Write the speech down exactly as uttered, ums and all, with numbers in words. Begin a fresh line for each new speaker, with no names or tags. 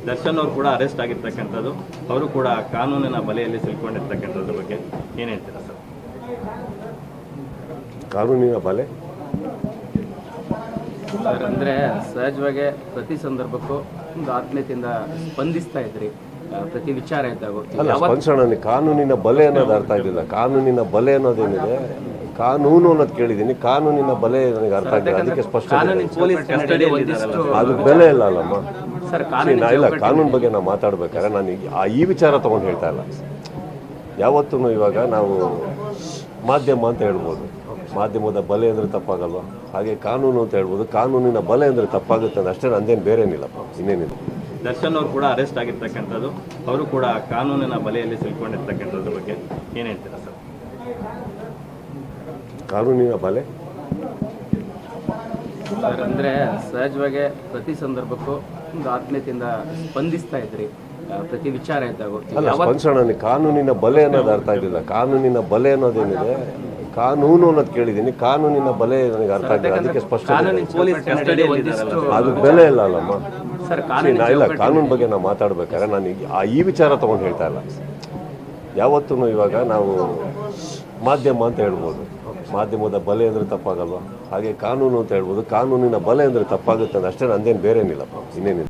ದರ್ಶನ್ ಅವರು ಕೂಡ ಅರೆಸ್ಟ್ ಆಗಿರ್ತಕ್ಕಂಥದ್ದು, ಅವರು ಕೂಡ ಕಾನೂನಿನ ಬಲೆಯಲ್ಲಿ ಸಿಲ್ಕೊಂಡಿರ್ತಕ್ಕಂಥದ್ರ ಬಗ್ಗೆ ಏನು ಹೇಳ್ತೀರಾ ಸರ್?
ಕಾನೂನಿನ ಬಲೆ
ಸರ್, ಅಂದರೆ ಸಹಜವಾಗಿ ಪ್ರತಿ ಸಂದರ್ಭಕ್ಕೂ ಒಂದು ಆತ್ಮೀಯತೆಯಿಂದ ಸ್ಪಂದಿಸ್ತಾ ಇದ್ರಿ ಪ್ರತಿ ವಿಚಾರ ಇದ್ದಾಗ.
ಅಲ್ಲ, ಸ್ಪಂದಿಸೋಣ. ಕಾನೂನಿನ ಬಲೆ ಅನ್ನೋದು ಅರ್ಥ ಆಗಿಲ್ಲ. ಕಾನೂನಿನ ಬಲೆ ಅನ್ನೋದೇನಿದೆ, ಕಾನೂನು ಅನ್ನೋದು ಕೇಳಿದ್ದೀನಿ, ಕಾನೂನಿನ ಬಲೆ ನನಗೆ ಅರ್ಥ ಆಗಿಲ್ಲ. ಅದಕ್ಕೆ ಸ್ಪಷ್ಟ ಅದು ಬೆಲೆ ಇಲ್ಲ ಅಲ್ಲಮ್ಮ
ಸರ್.
ಇಲ್ಲ, ಕಾನೂನು ಬಗ್ಗೆ ನಾವು ಮಾತಾಡ್ಬೇಕಾದ್ರೆ ನಾನು ಆ ಈ ವಿಚಾರ ತೊಗೊಂಡು ಹೇಳ್ತಾ ಇಲ್ಲ. ಯಾವತ್ತೂ ಇವಾಗ ನಾವು ಮಾಧ್ಯಮ ಅಂತ ಹೇಳ್ಬೋದು, ಮಾಧ್ಯಮದ ಬಲೆ ಅಂದರೆ ತಪ್ಪಾಗಲ್ವ, ಹಾಗೆ ಕಾನೂನು ಅಂತ ಹೇಳ್ಬೋದು, ಕಾನೂನಿನ ಬಲೆ ಅಂದರೆ ತಪ್ಪಾಗುತ್ತೆ ಅಂತ ಅಷ್ಟೇ, ನಂದೇನು ಬೇರೇನಿಲ್ಲಪ್ಪ, ಇನ್ನೇನಿಲ್ಲ.
ದರ್ಶನ್ ಅವರು ಕೂಡ ಅರೆಸ್ಟ್ ಆಗಿರ್ತಕ್ಕಂಥದ್ದು, ಅವರು ಕೂಡ ಕಾನೂನಿನ ಬಲೆಯಲ್ಲಿ ಸಿಲ್ಕೊಂಡಿರ್ತಕ್ಕಂಥದ್ರ ಬಗ್ಗೆ ಏನು ಹೇಳ್ತೀರಾ ಸರ್?
ಕಾನೂನಿನ ಬಲೆ
ಸರ್, ಅಂದರೆ ಸಹಜವಾಗಿ ಪ್ರತಿ ಸಂದರ್ಭಕ್ಕೂ ಒಂದು ಆತ್ಮೀಯತೆಯಿಂದ ಸ್ಪಂದಿಸ್ತಾ ಇದ್ರಿ ಪ್ರತಿ ವಿಚಾರ ಇದ್ದಾಗ.
ಅಲ್ಲ, ಸ್ಪಂದಿಸೋಣ. ಕಾನೂನಿನ ಬಲೆ ಅನ್ನೋದು ಅರ್ಥ ಆಗಿಲ್ಲ. ಕಾನೂನಿನ ಬಲೆ ಅನ್ನೋದೇನಿದೆ, ಕಾನೂನು ಅನ್ನೋದು ಕೇಳಿದ್ದೀನಿ, ಕಾನೂನಿನ ಬಲೆ ನನಗೆ ಅರ್ಥ ಆಗಿಲ್ಲ. ಅದಕ್ಕೆ ಸ್ಪಷ್ಟ ಅದು ಬೆಲೆ ಇಲ್ಲ ಅಲ್ಲಮ್ಮ
ಸರ್.
ಇಲ್ಲ, ಕಾನೂನು ಬಗ್ಗೆ ನಾವು ಮಾತಾಡ್ಬೇಕಾದ್ರೆ ನಾನು ಆ ಈ ವಿಚಾರ ತೊಗೊಂಡು ಹೇಳ್ತಾ ಇಲ್ಲ. ಯಾವತ್ತೂ ಇವಾಗ ನಾವು ಮಾಧ್ಯಮ ಅಂತ ಹೇಳ್ಬೋದು, ಮಾಧ್ಯಮದ ಬಲೆ ಅಂದರೆ ತಪ್ಪಾಗಲ್ವ, ಹಾಗೆ ಕಾನೂನು ಅಂತ ಹೇಳ್ಬೋದು, ಕಾನೂನಿನ ಬಲೆ ಅಂದರೆ ತಪ್ಪಾಗುತ್ತೆ ಅಂತ ಅಷ್ಟೇ, ನಂದೇನು ಬೇರೇನಿಲ್ಲಪ್ಪ, ಇನ್ನೇನಿಲ್ಲ.